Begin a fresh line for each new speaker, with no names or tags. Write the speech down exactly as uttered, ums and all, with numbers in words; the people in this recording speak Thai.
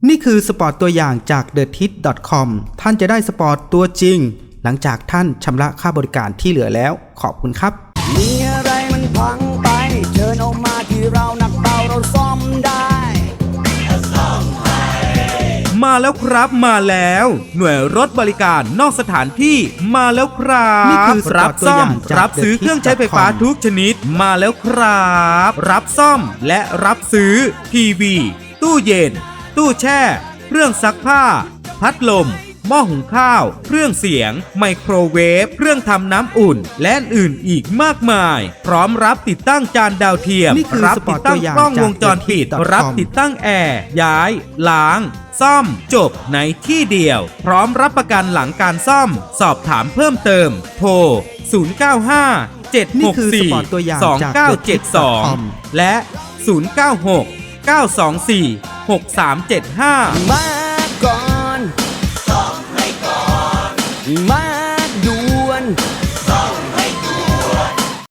นี่คือสปอร์ตตัวอย่างจาก เดอะทิส ดอท คอม ท่านจะได้สปอร์ตตัวจริงหลังจากท่านชำระค่าบริการที่เหลือแล้วขอบคุณครับ
มีอะไรมันพังไปเชิญออกมาที่เรานักเบาเราซ่อมได้
มาแล้วครับมาแล้วหน่วยรถบริการนอกสถานที่มาแล้วครับ
นี่คือ
รับซ่อมรับซื้อเครื่องใช้ไฟฟ้าทุกชนิดมาแล้วครับรับซ่อมและรับซื้อทีวีตู้เย็นตู้แช่เครื่องซักผ้าพัดลมหม้อหุงข้าวเครื่องเสียงไมโครเวฟเครื่องทำน้ำอุ่นและอื่นอีกมากมายพร้อมรับติดตั้งจานดาวเทียมรับติดตั้งกล้องวงจรปิดรับติดตั้งแอร์ย้ายล้างซ่อมจบในที่เดียวพร้อมรับประกันหลังการซ่อมสอบถามเพิ่มเติมโทรศูนย์ เก้า ห้า เจ็ด หก สี่ สอง เก้า เจ็ด สองและศูนย์ เก้า หก เก้า สอง สี่ หก สาม เจ็ด ห้า
มาก่อนซ่อมให้ก่อนมาด่วนซ่อม